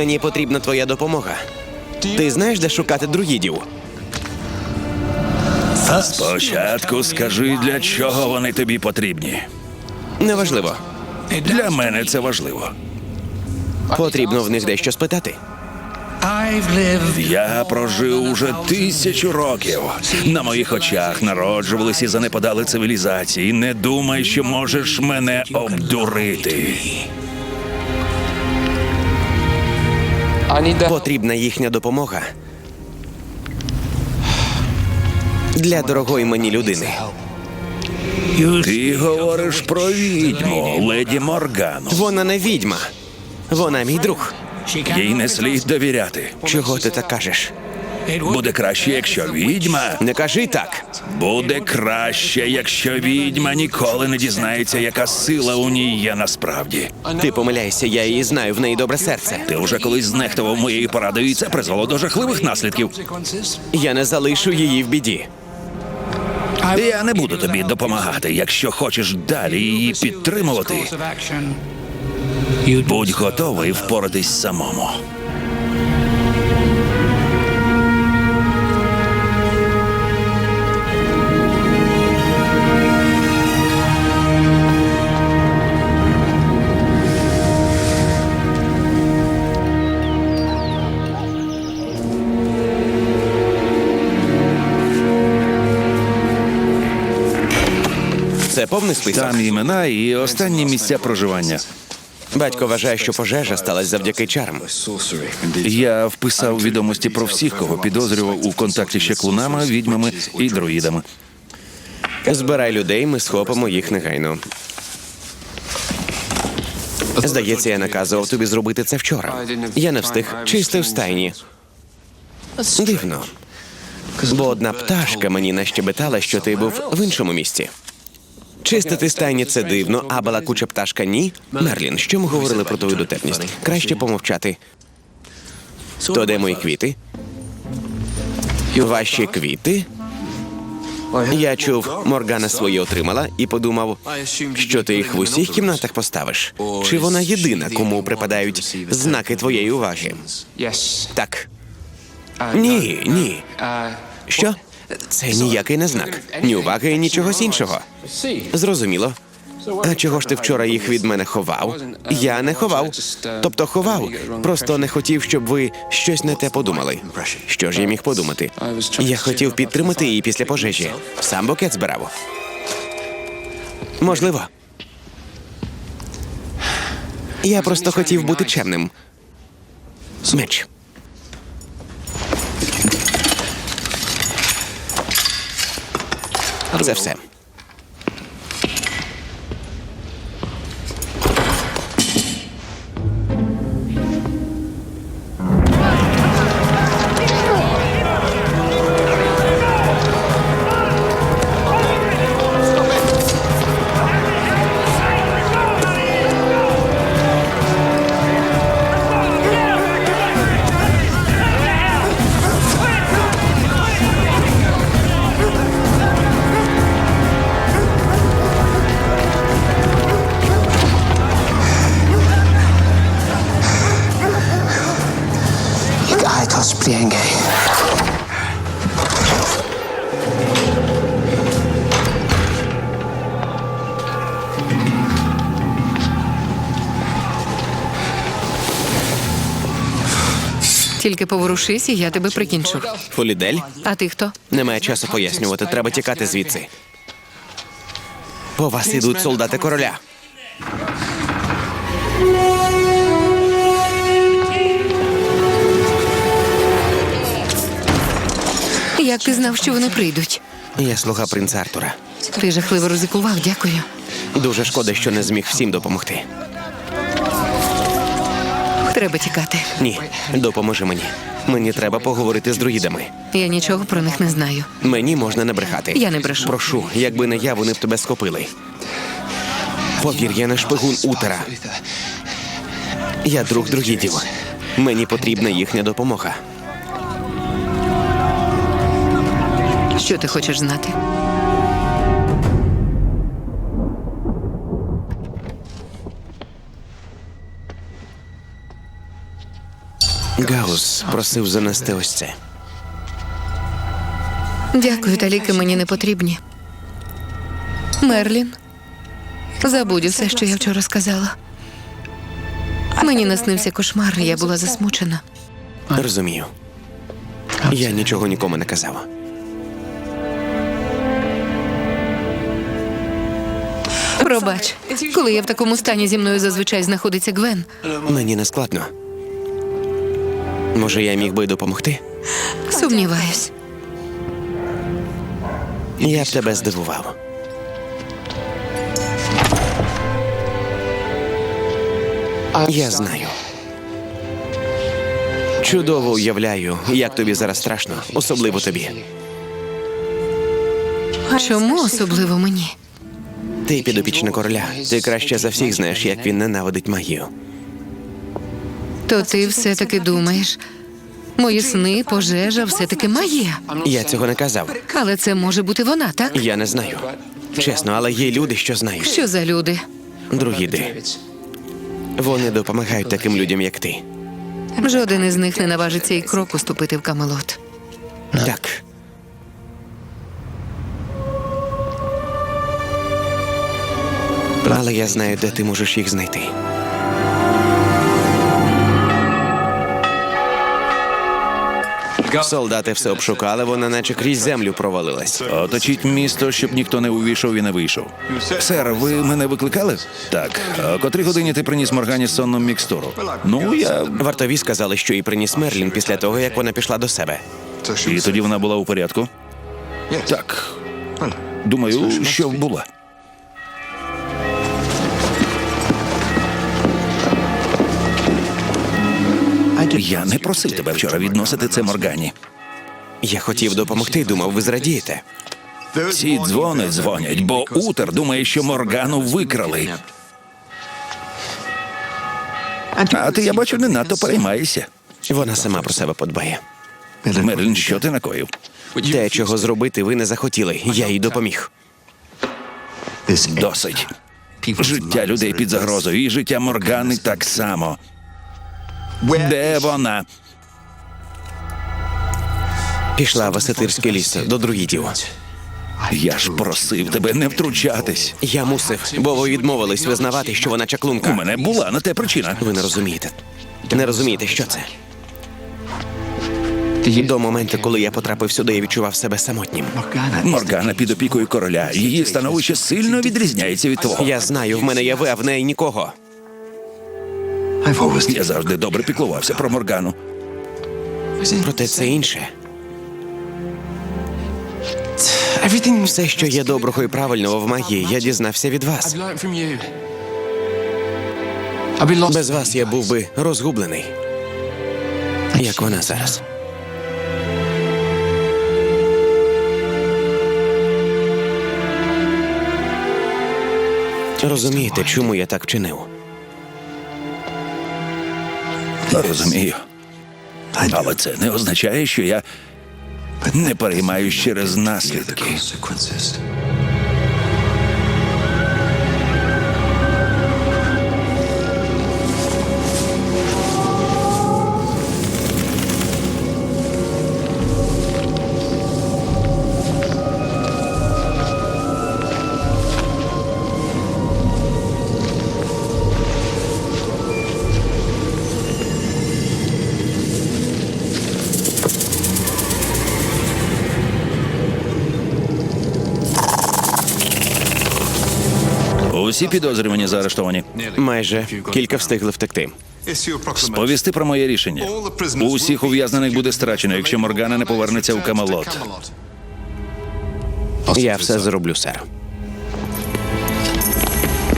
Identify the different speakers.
Speaker 1: Мені потрібна твоя допомога. Ти знаєш, де шукати друїдів?
Speaker 2: Спочатку скажи, для чого вони тобі потрібні.
Speaker 1: Неважливо.
Speaker 2: Для мене це важливо.
Speaker 1: Потрібно в них дещо спитати.
Speaker 2: Я прожив уже 1000 років. На моїх очах народжувались і занепадали цивілізації. Не думай, що можеш мене обдурити.
Speaker 1: Потрібна їхня допомога. Для дорогої мені людини.
Speaker 2: Ти говориш про відьму, леді Моргану.
Speaker 1: Вона не відьма. Вона мій друг.
Speaker 2: Їй не слід довіряти.
Speaker 1: Чого ти так кажеш?
Speaker 2: Буде краще, якщо відьма.
Speaker 1: Не кажи так.
Speaker 2: Буде краще, якщо відьма ніколи не дізнається, яка сила у ній є насправді.
Speaker 1: Ти помиляєшся, я її знаю, в неї добре серце.
Speaker 2: Ти вже колись знехтував моєю порадою, і це призвело до жахливих наслідків.
Speaker 1: Я не залишу її в біді.
Speaker 2: Я не буду тобі допомагати, якщо хочеш далі її підтримувати. Будь готовий впоратись самому.
Speaker 1: Це повний список.
Speaker 2: Там імена і останні місця проживання.
Speaker 1: Батько вважає, що пожежа сталася завдяки чарам.
Speaker 2: Я вписав відомості про всіх, кого підозрював у контакті з чаклунами, відьмами і друїдами.
Speaker 1: Збирай людей, ми схопимо їх негайно. Здається, я наказував тобі зробити це вчора. Я не встиг, чистив стайні. Дивно. Бо одна пташка мені нащебетала, що ти був в іншому місці. Чистити стайні – це дивно, а балакуча пташка – ні. Мерлін, що ми говорили про твою дотепність? Краще помовчати. То де мої квіти? Ваші квіти? Я чув, Моргана свої отримала і подумав, що ти їх в усіх кімнатах поставиш. Чи вона єдина, кому припадають знаки твоєї уваги? Так. Ні, ні. Що? Це ніякий не знак. Ні уваги, ні чогось іншого. Зрозуміло. А чого ж ти вчора їх від мене ховав? Я не ховав. Тобто ховав. Просто не хотів, щоб ви щось не те подумали. Що ж я міг подумати? Я хотів підтримати її після пожежі. Сам букет збирав. Можливо. Я просто хотів бути чемним. Меч. Це все.
Speaker 3: Тільки поворушись, і я тебе прикінчу.
Speaker 1: Фолідель?
Speaker 3: А ти хто?
Speaker 1: Немає часу пояснювати, треба тікати звідси. По вас ідуть солдати короля.
Speaker 3: Як ти знав, що вони прийдуть?
Speaker 1: Я слуга принца Артура.
Speaker 3: Ти жахливо ризикував, дякую.
Speaker 1: Дуже шкода, що не зміг всім допомогти.
Speaker 3: Треба тікати.
Speaker 1: Ні, допоможи мені. Мені треба поговорити з друїдами.
Speaker 3: Я нічого про них не знаю.
Speaker 1: Мені можна не брехати.
Speaker 3: Я не брешу.
Speaker 1: Прошу, якби не я, вони б тебе схопили. Повір, я не шпигун Утера. Я друг друїдів. Мені потрібна їхня допомога.
Speaker 3: Що ти хочеш знати?
Speaker 1: Гаус просив занести ось це.
Speaker 3: Дякую, та ліки мені не потрібні. Мерлін, забудь усе, що я вчора сказала. Мені наснився кошмар, я була засмучена.
Speaker 1: Розумію. Я нічого нікому не казав.
Speaker 3: Пробач, коли я в такому стані, зі мною зазвичай знаходиться Гвен.
Speaker 1: Мені не складно. Може, я міг би допомогти?
Speaker 3: Сумніваюсь.
Speaker 1: Я б тебе здивував. Я знаю. Чудово уявляю, як тобі зараз страшно, особливо тобі.
Speaker 3: Чому особливо мені?
Speaker 1: Ти підопічна короля. Ти краще за всіх знаєш, як він ненавидить магію.
Speaker 3: То ти все-таки думаєш, мої сни, пожежа, все-таки магія.
Speaker 1: Я цього не казав.
Speaker 3: Але це може бути вона, так?
Speaker 1: Я не знаю. Чесно, але є люди, що знають.
Speaker 3: Що за люди?
Speaker 1: Друїди. Вони допомагають таким людям, як ти.
Speaker 3: Жоден із них не наважиться і кроку ступити в Камелот.
Speaker 1: Так. Але я знаю, де ти можеш їх знайти. Солдати все обшукали, вона наче крізь землю провалилась.
Speaker 2: Оточіть місто, щоб ніхто не увійшов і не вийшов. Сер, ви мене викликали? Так. А о котрій годині ти приніс Моргані сонну мікстуру? Ну, я...
Speaker 1: Вартові сказали, що їй приніс Мерлін після того, як вона пішла до себе.
Speaker 2: І тоді вона була у порядку? Так. Думаю, що була. Я не просив тебе вчора відносити це Моргані.
Speaker 1: Я хотів допомогти, думав, ви зрадієте.
Speaker 2: Ці дзвони дзвонять, бо Утер думає, що Моргану викрали. А ти, я бачу, не надто переймаєшся.
Speaker 1: Вона сама про себе подбає.
Speaker 2: Мерлін, що ти накоїв?
Speaker 1: Те, чого зробити, ви не захотіли. Я їй допоміг.
Speaker 2: Досить. Життя людей під загрозою, і життя Моргани так само. Де вона?
Speaker 1: Пішла в Асетирський ліс до друїдів.
Speaker 2: Я ж просив тебе не втручатись.
Speaker 1: Я мусив, бо ви відмовились визнавати, що вона
Speaker 2: У
Speaker 1: чаклунка.
Speaker 2: мене була на те причина.
Speaker 1: Ви не розумієте. Не розумієте, що це. До моменту, коли я потрапив сюди, я відчував себе самотнім.
Speaker 2: Моргана під опікою короля. Її становище сильно відрізняється від твого.
Speaker 1: Я знаю, в мене є ви, а в неї нікого.
Speaker 2: Я завжди добре піклувався про Моргану.
Speaker 1: Проте це інше. Все, що є доброго і правильного в магії, я дізнався від вас. Без вас я був би розгублений. Як вона зараз. Розумієте, чому я так вчинив?
Speaker 2: Розумію. Але це не означає, що я не переймаюсь через наслідки. Усі підозрювані заарештовані.
Speaker 1: Майже кілька встигли втекти.
Speaker 2: Сповісти про моє рішення. Усіх ув'язнених буде страчено, якщо Моргана не повернеться у Камелот.
Speaker 1: Я все зроблю, сер.